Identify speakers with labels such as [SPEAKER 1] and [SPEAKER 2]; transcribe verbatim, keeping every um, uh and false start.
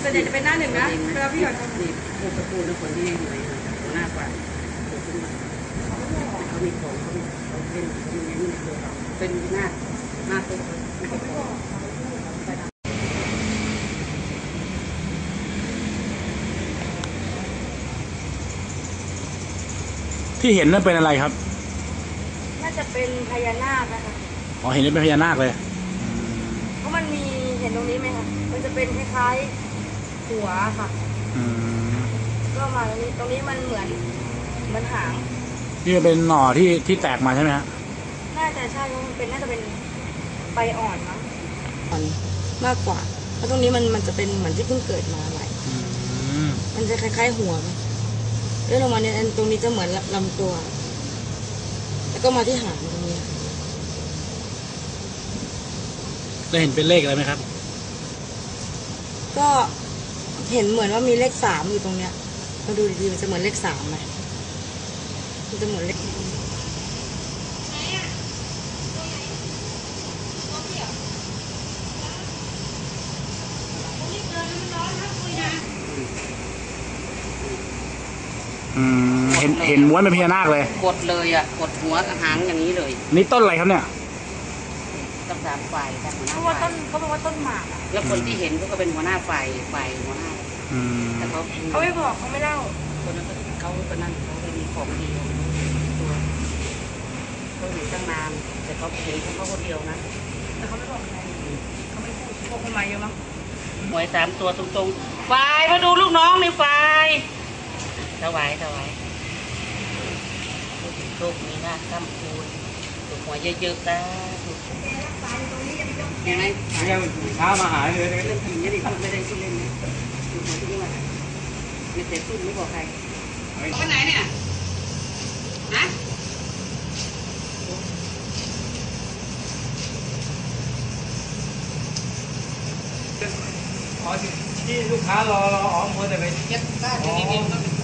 [SPEAKER 1] ส่วนใหญ่จะเป็นหน้าหนึ่งนะเวลาพี่หยอด
[SPEAKER 2] นี่ผู้ตะปูและคนที่อยู่ในหัวหน้าฝ่ายเขามีของเขามีเขาเป็นเขามีในตัวเขาเป็นหน้าหน้าตัว
[SPEAKER 3] ที่เห็นนั่นเป็นอะไรครับ
[SPEAKER 1] น่าจะเป็นพญานาคนะคะ
[SPEAKER 3] อ๋อเห็นเป็นพญานาคเลย
[SPEAKER 1] เพราะมันมีเห็นตรงนี้ไหมคะมันจะเป็นคล้ายๆหัวค่ะก็มาตรงนี้ตรงนี้มันเหมือนเหมือนหาง
[SPEAKER 3] นี่เป็นหน่อที่ที่แตกมาใช่ไหมฮะ
[SPEAKER 1] น่าจะใช่เพราะมันเป็นน่าจะเป็นใบอ่อนมั้งอ่อนมากกว่าเพราะตรงนี้มันมันจะเป็นเหมือนที่เพิ่งเกิดมาใหม่มันจะคล้ายๆหัวเลื่อนลงมาเนี่ยตรงนี้จะเหมือนลำตัวแล้วก็มาที่หางตรงนี้
[SPEAKER 3] ได้เห็นเป็นเลขอะไรไหมครับ
[SPEAKER 1] ก็เห็นเหมือนว่ามีเลขสามอยู่ตรงเนี้ยมาดูดีๆมันจะเหมือนเลขสามไหมมันจะเหมือนเลข
[SPEAKER 3] อืมเห็นเห็นม้วนเป็นพญานาคเลย
[SPEAKER 2] กดเลยอ่ะกดหัวหางอย่างนี้เลย
[SPEAKER 3] นี่ต้นอะไรครับเนี่ย
[SPEAKER 2] ต้นสามฝ่าย
[SPEAKER 1] เพราะว่าต้นเขาบอกว่าต้นหมาก
[SPEAKER 2] แล้วคนที่เห็นก็เป็นหัวหน้าฝ่ายฝ่ายหัวหน้าแต่เขา
[SPEAKER 1] เขาไม่บอกเขาไม่เล่า
[SPEAKER 2] คนนั้นเขาคนนั้นเขาไม่มีของดีตัวเขาอยู่ตั้งนานแต่เขาเห็นเขาคนเดียวนะ
[SPEAKER 1] แต่เขาไม่บอกใครเขาไม่พูดพวกคนมาเยอะมั้ง
[SPEAKER 2] หวยสามตัวตรงๆฝ่ายมาดูลูกน้องในฝ่ายถวายถวายโชคมีหน้าข้ามคูณถูกหัวเยอะๆนะยังไง
[SPEAKER 3] เช้ามาหาเลย
[SPEAKER 2] เรื่องจริงนี่พูดไม่ได้พูดเล่นนะถูกหัวที่นี่มาไม่เสียพูดไม่บอกใครวันไหนเนี่ยฮะ
[SPEAKER 3] อ๋อที่ลูกค้ารอรออ๋อมัวแต่ไป
[SPEAKER 2] เก็บได้จะมีเงิน